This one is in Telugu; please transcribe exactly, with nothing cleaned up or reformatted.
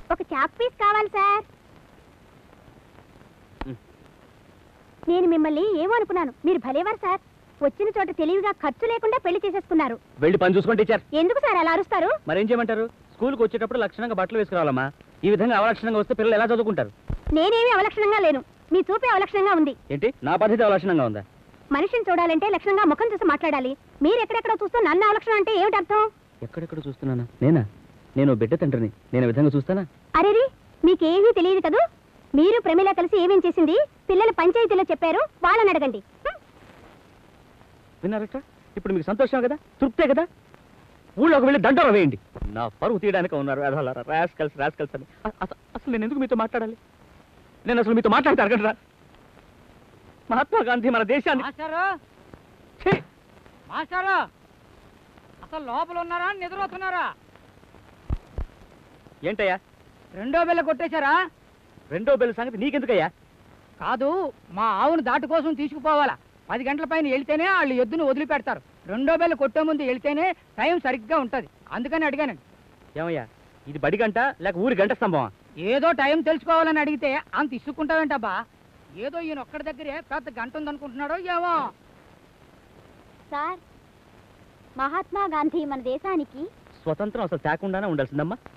ఒక చాక్ పీస్ కావాలి సార్. నేను మిమ్మల్ని ఏమో అనుకున్నాను, మీరు భలేవారు సార్. వచ్చిన చోట తెలివిగా ఖర్చు లేకుండా పెళ్లి చేసేసుకున్నారు. వెళ్ళి పని చూసుకోండి టీచర్. ఎందుకు సార్ అలా అరుస్తారు? మరేం చేయమంటారు? స్కూల్కి వచ్చేటప్పుడు లక్షణంగా బట్టలు వేసుకురావాలమ్మా. ఈ విధంగా అవలక్షణంగా వస్తే పిల్లలు ఎలా చదువుకుంటారు? నేనేమి అవలక్షణంగా లేను, మీ చూపే అవలక్షణంగా ఉంది. ఏంటి, నా పద్ధతి అవలక్షణంగా ఉందా? మనిషిని చూడాలంటే లక్షణంగా ముఖం చూసి మాట్లాడాలి. మీరు ఎక్కడెక్కడ చూస్తూ నన్ను అవలక్షణం అంటే ఏమిటి అర్థం? ఎక్కడెక్కడ చూస్తున్నానా? నేనా? నేను బిడ్డ తండ్రిని, నేను విధంగా చూస్తానా? అరేరి, మీకేమీ తెలియదు కదూ. మీరు ప్రమిళ కలిసి ఏమేం చేసింది పిల్లలు పంచాయతీలో చెప్పారు, వాళ్ళని అడగండి. విన్నారట? ఇప్పుడు మీకు సంతోషం కదా, తృప్తే కదా? ఊళ్ళోకి వెళ్ళి దండోరా వేయండి. నా పరువు తీయడానికి ఉన్నారు రాస్ కలిసి రాస్ కలిసి అని. అసలు నేను ఎందుకు మీతో మాట్లాడాలి? నేను అసలు మీతో మాట్లాడితే అడగండి. మహాత్మా గాంధీ మన దేశాన్ని అసలు లోపల ఉన్నారా, నిద్రపోతున్నారా? ఏంటయ్యా రెండో బెల్ల కొట్టేశారా? రెండో బెల్ల సంగతి నీకెందుకయ్యా? కాదు, మా ఆవును దాటు కోసం తీసుకుపోవాలా. పది గంటల పైన వెళ్తేనే వాళ్ళు ఎద్దును వదిలిపెడతారు. రెండో బెల్ల కొట్టే ముందు వెళ్తేనే టైం సరిగ్గా ఉంటది, అందుకని అడిగానండి. ఏమయ్యా, ఇది బడి గంట లేక ఊరి గంట స్తంభమా? ఏదో టైం తెలుసుకోవాలని అడిగితే అంత ఇసుక్కుంటావేంటబ్బా? ఏదో ఈయన ఒక్కడి దగ్గరే పెద్ద గంట ఉందనుకుంటున్నాడో ఏమో. సార్, మహాత్మా గాంధీ మన దేశానికి స్వతంత్రం అసలు తేకుండానే ఉండాల్సిందమ్మా.